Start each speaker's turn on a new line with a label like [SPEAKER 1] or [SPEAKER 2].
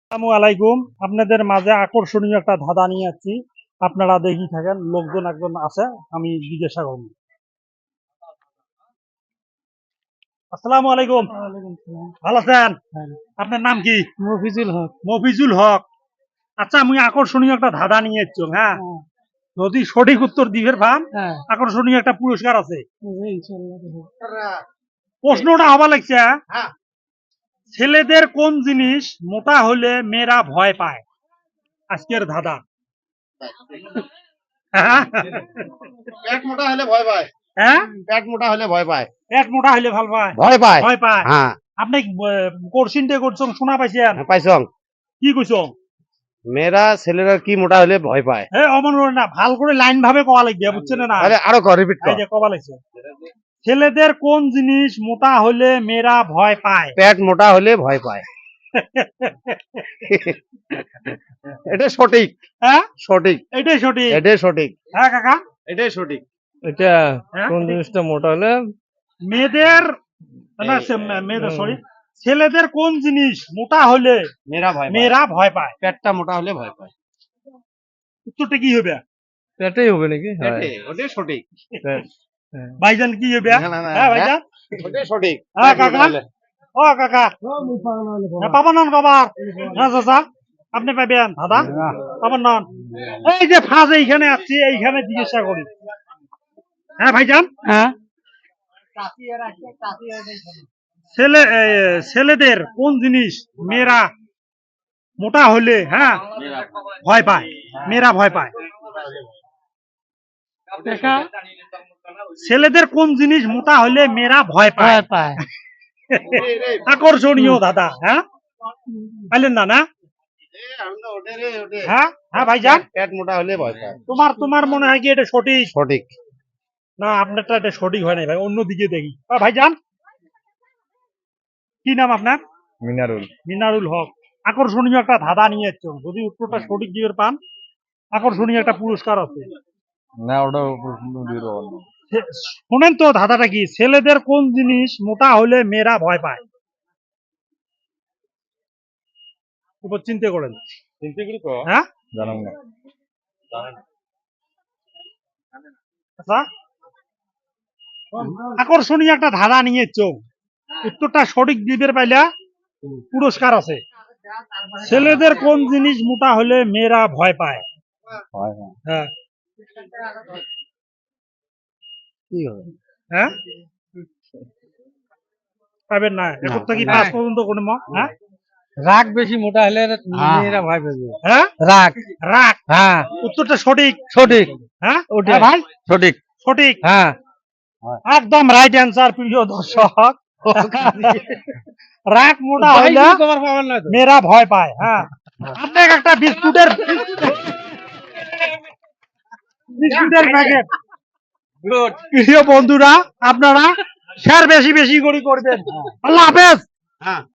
[SPEAKER 1] আসসালামু আলাইকুম। আপনাদের মাঝে আকর্ষণীয় একটা ধাঁধা নিয়ে যাচ্ছি, আপনারা দেখি থাকেন। লোকজন একজন আছে, আমি জিজ্ঞাসা করব। আসসালামু আলাইকুম। ভালো আছেন? আপনার নাম কি?
[SPEAKER 2] মফিজুল হক।
[SPEAKER 1] মফিজুল হক। আচ্ছা, আমি আকর্ষণীয় একটা ধাঁধা নিয়ে যাচ্ছি। হ্যাঁ, যদি সঠিক উত্তর দিবের ভান আকর্ষণীয় একটা পুরস্কার আছে। প্রশ্নটা হবা লাগছে, ছেলেদের কোন জিনিস মোটা হলে মেয়েরা ভয় পায়? আজকের ধাঁধা।
[SPEAKER 3] পেট মোটা হলে ভয় পায়।
[SPEAKER 1] হ্যাঁ,
[SPEAKER 3] পেট মোটা হলে ভয় পায়।
[SPEAKER 1] পেট মোটা হলে ভাল পায়,
[SPEAKER 3] ভয় পায়।
[SPEAKER 1] ভয় পায়।
[SPEAKER 3] হ্যাঁ,
[SPEAKER 1] আপনি কোশ্চিনটা করছেন, শোনা পাইছেন?
[SPEAKER 3] পাইছং।
[SPEAKER 1] কি কইছ?
[SPEAKER 3] মেয়েরা ছেলেরা কি মোটা হলে ভয় পায়?
[SPEAKER 1] হে অমন করে না, ভাল করে লাইন ভাবে কওয়া লাগবে, বুঝছেন না?
[SPEAKER 3] আরে আরো কর, রিপিট
[SPEAKER 1] এই
[SPEAKER 3] কর।
[SPEAKER 1] যে কবা লাগছে, ছেলেদের কোন জিনিস মোটা হলে মেয়েরা ভয় পায়?
[SPEAKER 3] পেট মোটা হলে ভয় পায়। এটা সঠিক।
[SPEAKER 1] হ্যাঁ,
[SPEAKER 3] সঠিক।
[SPEAKER 1] এটাই সঠিক।
[SPEAKER 3] এটাই সঠিক।
[SPEAKER 1] হ্যাঁ কাকা,
[SPEAKER 3] এটাই সঠিক।
[SPEAKER 2] এটা
[SPEAKER 1] হ্যাঁ?
[SPEAKER 2] কোন জিনিসটা মোটা হলে
[SPEAKER 1] মেয়েদের না, মেয়েদের সরি, ছেলেদের কোন জিনিস মোটা হলে
[SPEAKER 3] মেয়েরা ভয় পায়।
[SPEAKER 1] মেয়েরা ভয় পায়?
[SPEAKER 3] পেটটা মোটা হলে ভয় পায়।
[SPEAKER 1] উত্তরটা কি হবে?
[SPEAKER 2] পেটেই হবে নাকি?
[SPEAKER 3] ওটাই সঠিক।
[SPEAKER 1] ভাইজান কি হবে?
[SPEAKER 3] না, না, না,
[SPEAKER 1] হ্যাঁ ভাইজান,
[SPEAKER 3] ওটাই সঠিক।
[SPEAKER 1] হ্যাঁ কাকা, ও কাকা, পাবো নন কবার? হ্যাঁ চাচা, আপনি পাবেন দাদা, পাবেন নন। এই যে ফাঁস এইখানে আসছি, এইখানে জিজ্ঞাসা করি। হ্যাঁ ভাইজান,
[SPEAKER 2] হ্যাঁ,
[SPEAKER 1] ছেলেদের কোন জিনিস মেয়েরা মোটা হলে ভয় পায়? মেয়েরা ভয় পায়। ছেলেদের কোন জিনিস মোটা হলে মেয়েরা ভয় পায়?
[SPEAKER 2] ভয় পায়।
[SPEAKER 1] আকর্ষণীয় দাদা। হ্যাঁ, পাইলেন না? না, হ্যাঁ হ্যাঁ ভাইজান,
[SPEAKER 3] পেট মোটা হলে ভয় পায়।
[SPEAKER 1] তোমার মনে হয় কি এটা সঠিক?
[SPEAKER 3] সঠিক।
[SPEAKER 1] না, আপনারটা এটা সঠিক হয় নাই ভাই, অন্যদিকে দেখি। ভাইজান, কি নাম আপনার?
[SPEAKER 3] মিনারুল।
[SPEAKER 1] মিনারুল হক। আকর্ষণীয় একটা ধাঁধা নিয়ে এসছেন, যদি উত্তরটা সঠিক দিকে পান আকর্ষণীয় একটা পুরস্কার আছে।
[SPEAKER 3] না, ওটা
[SPEAKER 1] শোনেন তো ধাঁধাটা কি, ছেলেদের কোন জিনিস মোটা হলে মেয়েরা ভয় পায়? উপর চিন্তা করেন।
[SPEAKER 3] চিন্তা করি তো।
[SPEAKER 1] হ্যাঁ,
[SPEAKER 3] জানাম না।
[SPEAKER 1] আচ্ছা, আকর্ষণীয় একটা ধাঁধা নিয়ে চোখ, উত্তরটা সঠিক দিবের পাইলা পুরস্কার আছে। ছেলেদের কোন জিনিস মোটা হলে মেয়েরা ভয় পায়? হ্যাঁ,
[SPEAKER 3] কি হবে?
[SPEAKER 1] হ্যাঁ, পাবেন না এখন থেকে 5 পর্যন্ত কোনো হ্যাঁ,
[SPEAKER 2] রাগ বেশি মোটা হলে মেয়েরা ভয় পাবে।
[SPEAKER 1] হ্যাঁ,
[SPEAKER 2] রাগ।
[SPEAKER 1] রাগ।
[SPEAKER 2] হ্যাঁ,
[SPEAKER 1] উত্তরটা সঠিক।
[SPEAKER 2] সঠিক।
[SPEAKER 1] হ্যাঁ,
[SPEAKER 2] ওটাই।
[SPEAKER 1] হ্যাঁ ভাই,
[SPEAKER 2] সঠিক।
[SPEAKER 1] সঠিক,
[SPEAKER 2] হ্যাঁ,
[SPEAKER 1] একদম রাইট অ্যান্সার প্রিয় দর্শক। রাগ মোটা হলে মেয়েরা ভয় পায়। হ্যাঁ, আপনাকে একটা বিস্কুটের প্যাকেট। প্রিয় বন্ধুরা, আপনারা শেয়ার বেশি বেশি করে করবেন। আল্লাহ হাফেজ।
[SPEAKER 3] হ্যাঁ।